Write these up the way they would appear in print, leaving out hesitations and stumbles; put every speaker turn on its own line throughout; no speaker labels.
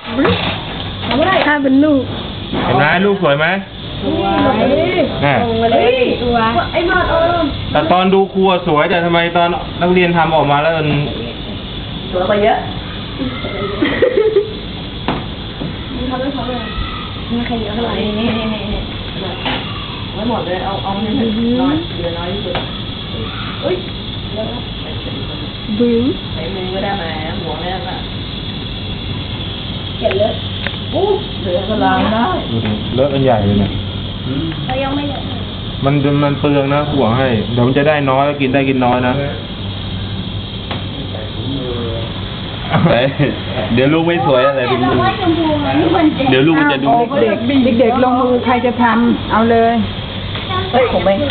ถ้าเป็นลูก
เห็นไหมลูกสวยไหม
สวยส่งมาเลยตัวไอ้หมด
แต่ตอนดูครัวสวยแต่ทำไมตอนนักเรียนทำออกมาแล้วมัน
สวยกว่าเยอะทำไม่ใครเยอะเท่าไหร่นี่ไม่หมดเลยเอาให้น้อยเหลือน้อยที่สุดอุ้ยบึ้งใส่มือก็ได้ไหมหัวแม่น่ะเก็บเลอะเหลือก็ล้างได้
เลอะกันใหญ่เลยเนี่ย
เขายังไม่เลอะ
มันเปลืองนะห่วงให้เดี๋ยวมันจะได้น้อยกินได้กินน้อยนะเดี๋ยวลูกไม่สวยอะไรถึงเดี๋ยวลูกมันจะดู
เด็กลงมือใครจะทำเอาเลย
ผมไม่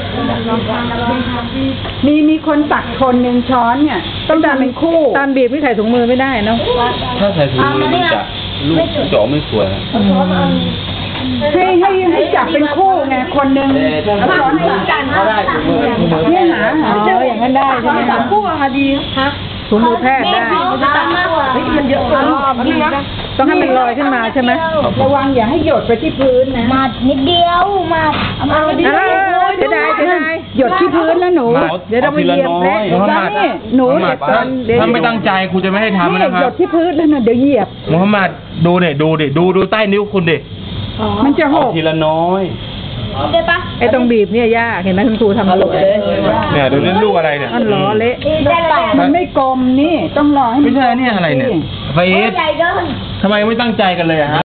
มีคนตักคนหนึ่งช้อนเนี่ยต้องทำเป็นคู่ตอนบีบไม่ใส่ถุงมือไม่ได้เนาะ
ถ้าใส่ถุงมือมันจะลูกจ่อไม่สวย
ให้จับเป็นคู่ไงคนหนึ่งช้อน
กัน
เนี่ยหาอย่างนั้นได้ใช่ไหมคะ
คู่อะดีฮะ
ถุงมือแพทย์ได้
มันเยอะเกิน
ต้องให้มันลอยขึ้นมาใช่ไหมระวังอย่าให้หยดไปที่พื้นนะ
มานิดเดียวมา
จะได้หยดที่พื้นแล้วหนูเดี๋ยวเราไปเหยียบเละนี่หนู
ถ้าไม่ตั้งใจครูจะไม่ให้ทำนะครับ
หยดที่พื้นแล้วนะเดี๋ยวเหยียบ
มุฮัมมัดดูเนี่ยดูใต้นิ้วคุณดิ
มันจะหก
ทีละน้อย
ได้ปะ
ไอ้ตรงบีบเนี่ยยากเห็นไหมคุณครูทำสวย
เนี่ยดูนี่ลูกอะไรเนี่ย
มันล้อเละมันไม่กลมนี่ต้องรอให้
ไม่ใช่เนี่ยอะไรเนี่ยไฟเอสทำไมไม่ตั้งใจกันเลยอะฮะ